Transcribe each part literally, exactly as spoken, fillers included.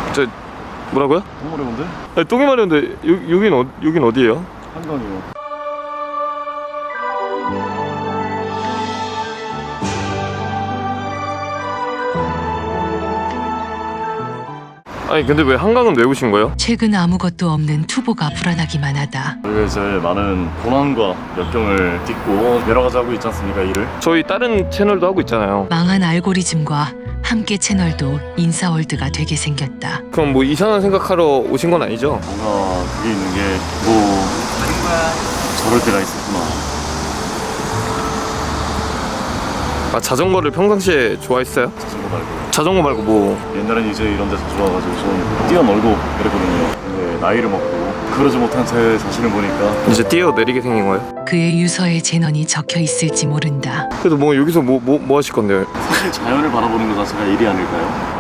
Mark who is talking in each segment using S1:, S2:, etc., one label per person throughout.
S1: 저 뭐라고요?
S2: 너무 어려운데?
S1: 아니, 똥이 마려운데 여, 여긴, 어, 여긴 어디예요?
S2: 한강이요.
S1: 아니 근데 왜 한강은 왜 오신 거예요?
S3: 최근 아무것도 없는 투보가 불안하기만 하다.
S2: 저희가 이제 많은 고난과 역경을 딛고 여러 가지 하고 있지 않습니까, 일을?
S1: 저희 다른 채널도 하고 있잖아요.
S3: 망한 알고리즘과 함께 채널도 인싸월드가 되게 생겼다.
S1: 그럼 뭐 이상한 생각하러 오신 건 아니죠?
S2: 뭔가 그게 있는 게 뭐 저럴 때가 있었구나.
S1: 아 자전거를 평상시에 좋아했어요?
S2: 자전거 말고.
S1: 자전거 말고 뭐
S2: 옛날엔 이제 이런 데서 좋아가지고 좀 뛰어놀고 그랬거든요. 근데 나이를 먹고 그러지 못한 제 자신을 보니까
S1: 이제 뛰어내리게 생긴 거예요?
S3: 그의 유서에 재넌이 적혀 있을지 모른다.
S1: 그래도 뭐 여기서 뭐 뭐 뭐 하실 건데요?
S2: 사실 자연을 바라보는 것 자체가 일이 아닐까요?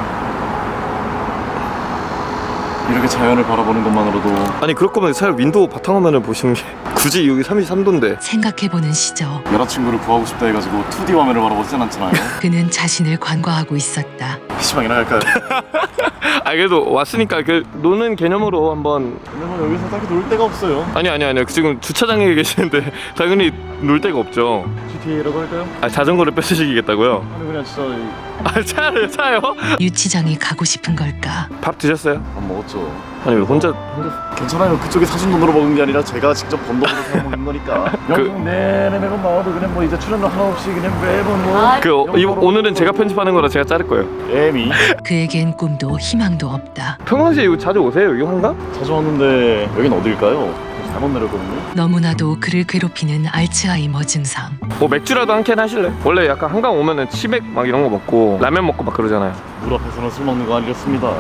S2: 이렇게 자연을 바라보는 것만으로도
S1: 아니 그럴 거면 차라리 윈도우 바탕화면을 보시는 게 굳이 여기 삼십삼 도인데
S3: 생각해보는 시저.
S2: 여자친구를 구하고 싶다 해가지고 투디 화면을 바라보진 않잖아요.
S3: 그는 자신을 관과하고 있었다.
S2: 피시방이나 갈까요?
S1: 아 그래도 왔으니까 그 노는 개념으로 한번.
S2: 근데 뭐 여기서 딱히 놀 데가 없어요.
S1: 아니 아니 아니 지금 주차장에 계시는데 당연히 놀 데가 없죠.
S2: 지티에이라고 할까요?
S1: 아 자전거를 뺏으시겠다고요?
S2: 아니 그냥 진짜 이-
S1: 아 차요 차요?
S3: 유치장이 가고 싶은 걸까?
S1: 밥 드셨어요?
S2: 밥 먹었죠.
S1: 아니 왜 혼자 혼자
S2: 괜찮아요. 그쪽에 사준 돈으로 먹은 게 아니라 제가 직접 번 돈으로 사 먹는 거니까.
S1: 그-
S2: 영국 내내 매번 나와도 그냥 뭐 이제 출연료 하나 없이 그냥 매번 뭐
S1: 그 어, 이, 오늘은 제가 편집하는 거라 제가 자를 거예요.
S2: 애미
S3: 그에겐 꿈도 희망도 없다.
S1: 평상시에 여기 자주 오세요 여기 한강?
S2: 자주 왔는데 여긴 어딜까요? 잘못 내렸거든요.
S3: 너무나도 그를 괴롭히는 알츠하이머 증상.
S1: 뭐 맥주라도 한 캔 하실래? 원래 약간 한강 오면은 치맥 막 이런 거 먹고 라면 먹고 막 그러잖아요.
S2: 물 앞에서는 술 먹는 거 아니었습니다.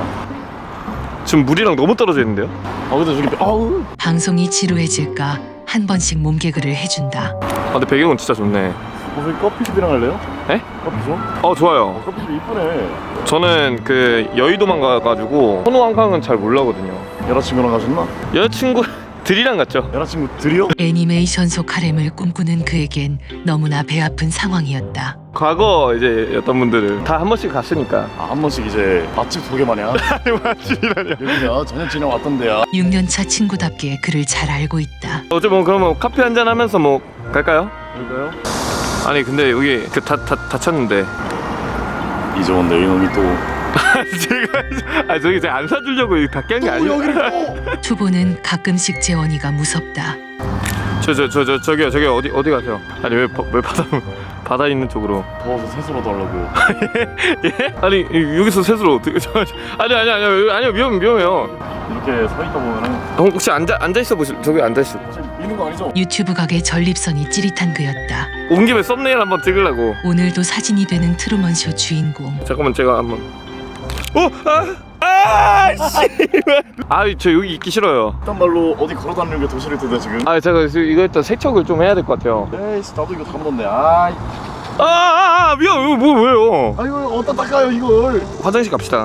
S1: 지금 물이랑 너무 떨어져 있는데요?
S2: 아 근데 저기 아우
S3: 방송이 지루해질까 한 번씩 몸개그를 해준다.
S1: 아 근데 배경은 진짜 좋네.
S2: 무슨 커피숍이랑 할래요?
S1: 에?
S2: 커피숍?
S1: 어 좋아요.
S2: 커피숍 이쁘네.
S1: 저는 그 여의도만 가가지고 선호 한강은 잘 몰라거든요.
S2: 여자친구랑 가셨나?
S1: 여자친구들이랑 갔죠.
S2: 여자친구 들이요?
S3: 애니메이션 속 하렘을 꿈꾸는 그에겐 너무나 배 아픈 상황이었다.
S1: 과거 이제 어떤 분들을 다 한 번씩 갔으니까.
S2: 아, 한 번씩 이제 맛집 소개 마냥
S1: 아니 맛집이라뇨.
S2: 여기야 저녁 왔던 데야.
S3: 육 년차 친구답게 그를 잘 알고 있다.
S1: 어제 뭐 그러면 커피 한잔 하면서 뭐 갈까요?
S2: 그럴까요?
S1: 아니 근데 여기 그 다 다 다쳤는데.
S2: 이정원 내 이놈이 또
S1: 제가 아 저기 제가 안 사주려고 다 깬 게 아니에요.
S3: 투보는 가끔씩 재원이가 무섭다.
S1: 저 저 저 저 저기요 저기 어디 어디 가세요? 아니 왜 바- 왜 바다 바다 있는 쪽으로?
S2: 더워서 세수라도 하려고.
S1: 예? 아니 이- 여기서 셋으로 어떻게? 저, 저- 아니 아니 아니 아니 위험 위험해요.
S2: 이렇게 서 있다 보면은
S1: 형 혹시 앉아 앉아 있어 보실 저기 앉아 있어.
S2: 지금 있는 거 아니죠?
S3: 유튜브 각의 전립선이 찌릿한 그였다.
S1: 온 김에 썸네일 한번 찍으려고.
S3: 오늘도 사진이 되는 트루먼쇼 주인공.
S1: 잠깐만 제가 한번. 어 아. 아, 씨발. 아, 저 여기 있기 싫어요.
S2: 일단 말로 어디 걸어 다니는 게 더 싫을 텐데 지금.
S1: 아, 제가 지금 이거 일단 세척을 좀 해야 될 것 같아요.
S2: 에이씨 나도 이거 다 묻었네. 아이.
S1: 아, 아, 아, 미안, 이거 뭐 왜요?
S2: 아이고 어디다 닦아요 이걸.
S1: 화장실 갑시다.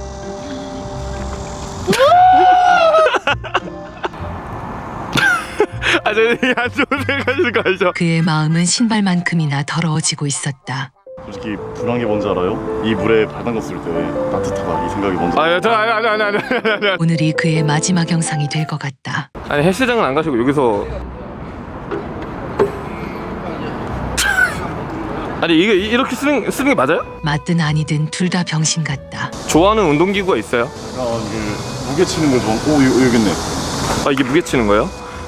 S1: 아, 저기 안 좋은 생각하시는 거 아니죠?
S3: 그의 마음은 신발만큼이나 더러워지고 있었다.
S2: 솔직히 불안한 게 뭔지 알아요? 이 물에 발 담갔을 때 따뜻하다 이 생각이 먼저.
S1: 아, 저 아니 아니 아니 아니 아니 아니.
S3: 오늘이 그의 마지막 영상이 될 것 같다.
S1: 아니 헬스장은 안 가시고 여기서. 아니 이게 이- 이렇게 쓰는 쓰는 게 맞아요?
S3: 맞든 아니든 둘 다 병신 같다.
S1: 좋아하는 운동기구가 있어요?
S2: 아 이게 무게 치는 걸 좋아. 오 여기, 여기 있네.
S1: 아 이게 무게 치는 거예요?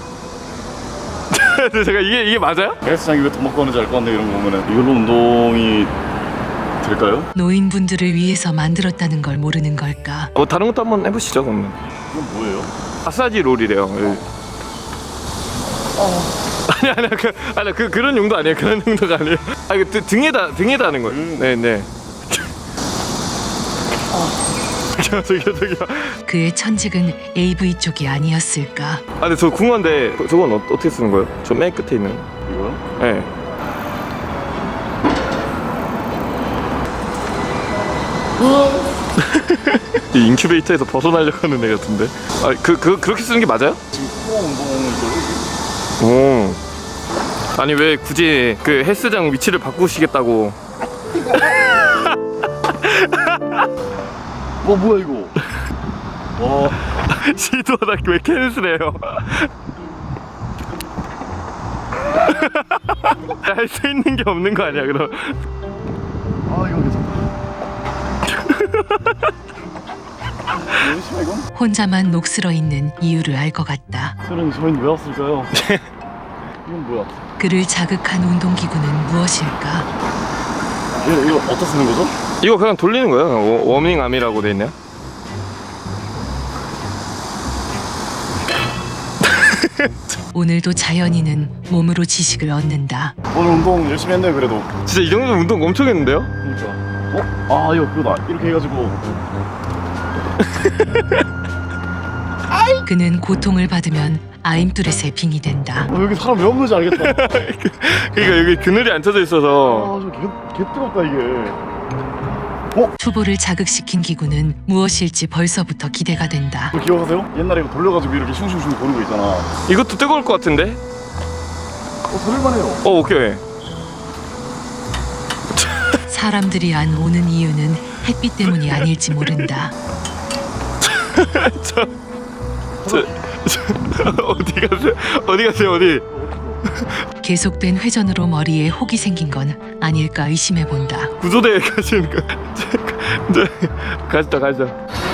S1: 근데 제가 이게 이게 맞아요?
S2: 헬스장이 왜 돈 먹고 하는지 알 것 같네 이런 거 보면은. 이걸로 운동이 될까요?
S3: 노인분들을 위해서 만들었다는 걸 모르는 걸까?
S1: 뭐 다른 것도 한번 해보시죠 그러면.
S2: 이건 뭐예요?
S1: 마사지 롤이래요. 여기. 아니 아니 그 아니 그 그런 용도 아니에요. 그런 용도가 아니에요. 아 이거 등- 등에다 등에다 하는 거예요.
S2: 음.
S1: 네네. 저기요 저기요.
S3: 그의 천직은 에이브이 쪽이 아니었을까?
S1: 아 근데 저 궁금한데 저- 저건 어, 어떻게 쓰는 거예요? 저 맨 끝에 있는.
S2: 이거요?
S1: 네. 이 인큐베이터에서 벗어나려고 하는 애 같은데. 아 그 그 그렇게 쓰는 게 맞아요?
S2: 지금 코어 운동이죠.
S1: 오. 아니 왜 굳이 그 헬스장 위치를 바꾸시겠다고?
S2: 뭐 뭐야 이거? 어.
S1: 시도하다 왜 캔슬해요? 할 수 있는 게 없는 거 아니야 그럼?
S2: 아 이거 괜찮다. 너무 심해 이건?
S3: 혼자만 녹슬어 있는 이유를 알 것 같다.
S2: 저는 저희는 왜 왔을까요? 이건 뭐야?
S3: 그를 자극한 운동기구는 무엇일까?
S2: 이거 이거 어디다 쓰는 거죠?
S1: 이거 그냥 돌리는 거예요. 워- 워밍 암이라고 돼 있네요.
S3: 오늘도 자연이는 몸으로 지식을 얻는다.
S2: 오늘 운동 열심히 했네요 그래도.
S1: 진짜 이 정도면 운동 엄청 했는데요?
S2: 그러니까. 어? 아 이거 그거다. 이렇게 해가지고.
S3: 그는 고통을 받으면 아임뚜렛의 빙이 된다.
S2: 어, 여기 사람 왜 없는지 알겠다.
S1: 그러니까 여기 그늘이 안 쳐져 있어서
S2: 아저 개, 개 뜨겁다 이게.
S3: 초보를 자극시킨 기구는 무엇일지 벌써부터 기대가 된다.
S2: 이거 기억하세요? 옛날에 이거 돌려가지고 이렇게 슝슝슝 도는 거 있잖아.
S1: 이것도 뜨거울 것 같은데?
S2: 어 돌릴만해요.
S1: 어 오케이.
S3: 사람들이 안 오는 이유는 햇빛 때문이 아닐지 모른다.
S1: 저, 저, 저 어디 가세요? 어디 가세요? 어디?
S3: 계속된 회전으로 머리에 혹이 생긴 건 아닐까 의심해 본다.
S1: 구조대에 가시는 거. 저, 가시다 가시다.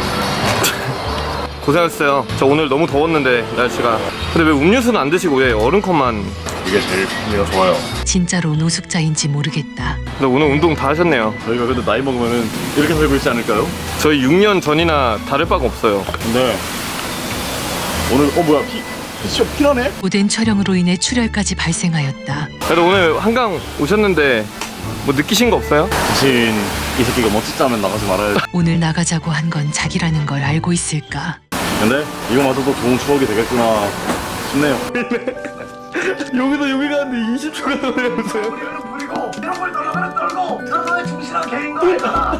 S1: 고생하셨어요. 저 오늘 너무 더웠는데 날씨가. 근데 왜 음료수는 안 드시고 왜 얼음컵만?
S2: 이게 제일 풍미가 좋아요.
S3: 진짜로 노숙자인지 모르겠다.
S1: 근데 오늘 운동 다 하셨네요.
S2: 저희가 근데 나이 먹으면은 이렇게 살고 있지 않을까요?
S1: 저희 육 년 전이나 다를 바가 없어요.
S2: 근데 오늘 어 뭐야 피 피쇼 피나네?
S3: 오랜 촬영으로 인해 출혈까지 발생하였다.
S1: 그래도 오늘 한강 오셨는데 뭐 느끼신 거 없어요?
S2: 대신 이 새끼가 멋지지 않으면 나가지 말아야 돼.
S3: 오늘 나가자고 한 건 자기라는 걸 알고 있을까?
S2: 근데 이거마저도 좋은 추억이 되겠구나 싶네요.
S1: 여기서 여기 가는데 이십 초가 걸려보세요.
S4: 그리고 이런 걸 떨어가는 떨고 들어가면 중신한 개인 거 아니다.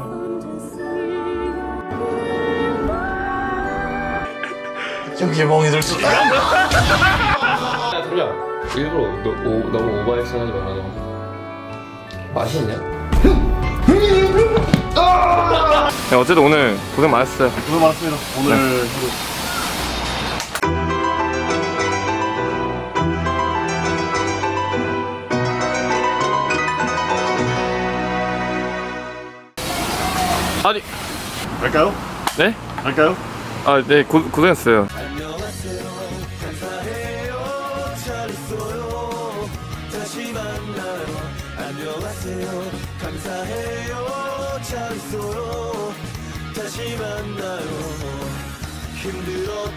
S2: 저기 멍이들 수.
S1: 야 소리야 일부러 너, 오, 너무 오버해서 하지 말아줘. 맛있냐? 야, 어쨌든 오늘 고생 많았어요.
S2: 고생 많았습니다. 오늘 하루.
S1: 아니
S2: 갈까요?
S1: 네?
S2: 갈까요?
S1: 아 네 고생했어요.
S4: 다시 만나요. 힘들었던